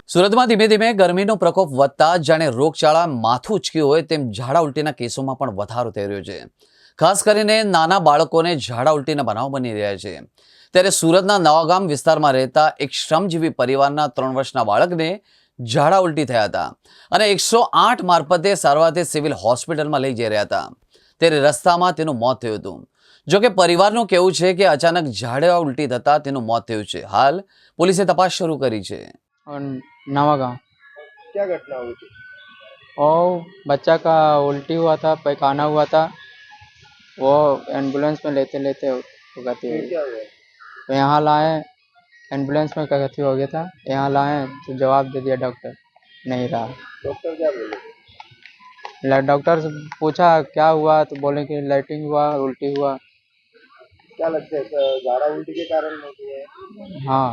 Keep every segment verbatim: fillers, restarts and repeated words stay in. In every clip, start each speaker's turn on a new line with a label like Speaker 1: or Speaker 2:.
Speaker 1: સુરતમાં ધીમે ધીમે ગરમીનો પ્રકોપ વધતા જાણે રોગચાળા માથું ઉચક્યું હોય તેમ ઝાડા ઉલટીના કેસોમાં પણ વધારો થઈ રહ્યો છે। ખાસ કરીને નાના બાળકોને ઝાડા ઉલટીના બનાવ બની રહ્યા છે। ત્યારે સુરતના નવાગામ વિસ્તારમાં રહેતા એક શ્રમજીવી પરિવારના ત્રણ વર્ષના બાળકને ઝાડા ઉલટી થયા હતા અને એકસો આઠ મારફતે સારવારથી સિવિલ હોસ્પિટલમાં લઈ જઈ રહ્યા હતા। ત્યારે રસ્તામાં તેનું મોત થયું હતું। જોકે પરિવારનું કહેવું છે કે અચાનક ઝાડા ઉલટી થતા તેનું મોત થયું છે। હાલ પોલીસે તપાસ શરૂ કરી છે।
Speaker 2: और नवा गाँव
Speaker 3: क्या घटना हुई थी?
Speaker 2: और बच्चा का उल्टी हुआ था, पैखाना हुआ था। वो एम्बुलेंस में लेते लेते वो गति
Speaker 3: फिर
Speaker 2: हुई।
Speaker 3: क्या हुआ?
Speaker 2: तो यहाँ लाए, एम्बुलेंस में क्या गति हो गया था। यहाँ लाए तो जवाब दे दिया डॉक्टर नहीं रहा।
Speaker 3: डॉक्टर क्या बोले?
Speaker 2: ल- डॉक्टर से पूछा क्या हुआ तो बोले कि लाइटिंग हुआ, उल्टी हुआ।
Speaker 3: क्या लगता है क- झाड़ा उल्टी के कारण होती है?
Speaker 2: हाँ,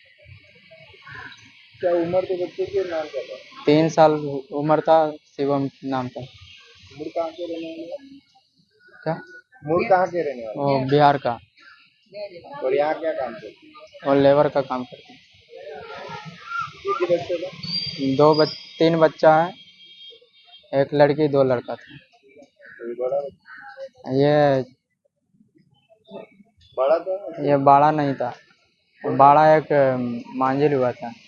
Speaker 3: क्या उम्र के बच्चे के नाम क्या था?
Speaker 2: तीन साल उम्र था, शिवम नाम था।
Speaker 3: मूल कहाँ के रहने वाले हैं?
Speaker 2: क्या
Speaker 3: मूल कहाँ के रहने वाले
Speaker 2: वो बिहार का,
Speaker 3: हैं? और यहाँ क्या काम करते हैं?
Speaker 2: और लेबर का काम करते हैं।
Speaker 3: एक ही बच्चे का?
Speaker 2: दो बच तीन बच्चा है, एक लड़की दो लड़का था।
Speaker 3: कोई बड़ा बच्चा?
Speaker 2: ये
Speaker 3: बड़ा था?
Speaker 2: ये बाड़ा नहीं था, बाड़ा एक मांझिल हुआ था।